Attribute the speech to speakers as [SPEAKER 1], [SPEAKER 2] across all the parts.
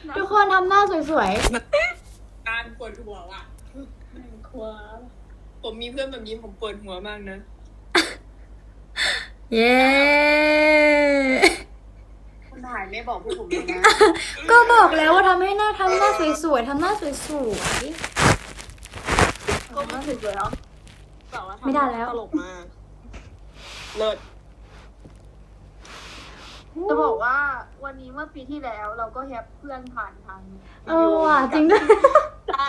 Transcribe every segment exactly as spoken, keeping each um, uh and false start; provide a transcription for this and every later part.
[SPEAKER 1] ทุกคนทำหน้าสวย
[SPEAKER 2] การปวดหัวว่ะ
[SPEAKER 3] ครัว
[SPEAKER 2] ผมมีเพื่อนแบบนี้ผมปวดหัวมากนะ
[SPEAKER 1] ๆ เย้
[SPEAKER 3] คุณถ่ายไม่บอกพวกผมเลยนะ
[SPEAKER 1] ก็บอกแล้วว่าทำให้หน้าทำหน้าสวยๆทำหน้าสวย
[SPEAKER 3] ก็ไม่ถึงแล้วแต่ว่า
[SPEAKER 1] ไม่ได้แล้ว
[SPEAKER 3] ตลกมาก
[SPEAKER 2] เลิศ
[SPEAKER 1] ๆ
[SPEAKER 3] จะบอกว่าวันนี้เมื่อปีที่แล้วเราก็แฮปเพื่อนผ่านทาง
[SPEAKER 1] เออว่ะจริงด้วย
[SPEAKER 3] ใช่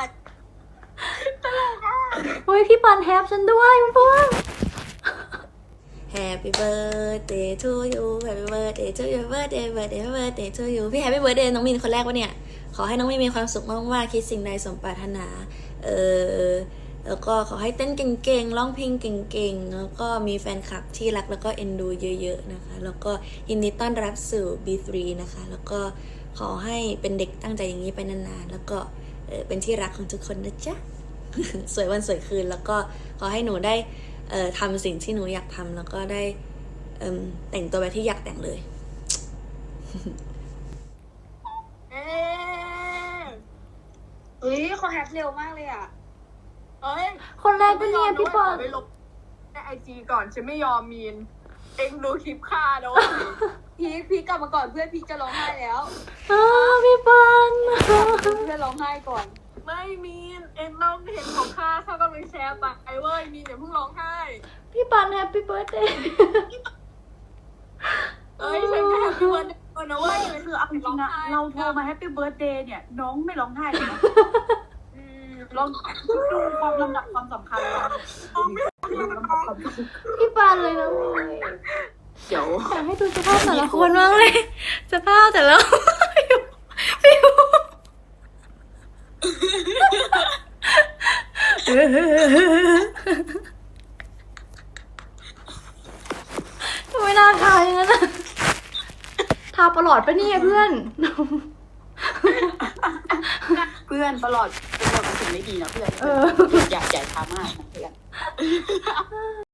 [SPEAKER 1] เฮ้ยพี่ปันแฮปฉันด้วยเพื่อน
[SPEAKER 4] Happy birthday to you Happy birthday to you birthday birthday birthday to you พี่ Happy birthday น้องมินคนแรกวะเนี่ย ขอให้น้องมินมีความสุขมากๆคิดสิ่งใดสมปรารถนา เออแล้วก็ขอให้เต้นเก่งๆร้องเพลงเก่งๆแล้วก็มีแฟนคลับที่รักแล้วก็เอ็นดูเยอะๆนะคะแล้วก็ยินดีต้อนรับสู่ บี ทรี นะคะแล้วก็ขอให้เป็นเด็กตั้งใจอย่างนี้ไปนานๆแล้วก็เออเป็นที่รักของทุกคนนะจ๊ะ สวยวันสวยคืนแล้วก็ขอให้หนูได้เอ่อทำสิ่งที่หนูอยากทำแล้วก็ได้เอิ่มแต่งตัวแบบที่อยากแต่งเลย
[SPEAKER 3] เอ๊ะเฮ้ยเขาแฮปเร็วมากเลยอ่ะเอ้ย
[SPEAKER 1] คนแรกก็เนี่ยพี่ปัน
[SPEAKER 3] ไปลบในไอจีก่อนฉันไม่ยอมมีน เอ็งดูคลิปฆ่าโดนพีคพีคกลับมาก่อนเพื่อนพีคจะร้องไห้แล้ว
[SPEAKER 1] อ้าวพี่ปัน
[SPEAKER 3] เพื่อนร้องไห้ก่อน ไม่มีน เอ็งต้องเห็นของข้าข้าก็เลยแชร์ไปไอ้เว้ยมีนอย่าเพิ่งร้องไห้
[SPEAKER 1] พี่ปันแฮปปี้เบิร์ดเดย์
[SPEAKER 3] เอ้ยฉันแค่แฮปปี้วันเดย์นะเว้ย
[SPEAKER 5] คือเอาจริงๆอะเราโทรมาแฮปปี้เบิร์ดเดย์เนี่ย น้องไม่ร้องไห้เลยนะลองดูความลำดับความสำคัญลองดูลำดับความสำคัญ
[SPEAKER 1] พี่ปันเลยนะเว้ย
[SPEAKER 3] เดี๋ยว
[SPEAKER 1] อยากให้ดูสภาพแต่ละคนมากเลยสภาพแต่ละฟิวทำไมน่าทาอย่างนั้นอะทาประหลอดปะเนี่ยเพื่อน
[SPEAKER 5] เพื่อนตลอดเป็นคนเป็นสิ่งไม่ดีนะเพื่อน
[SPEAKER 1] เออ
[SPEAKER 5] อย่าอย่าทำมากนะเพื่อน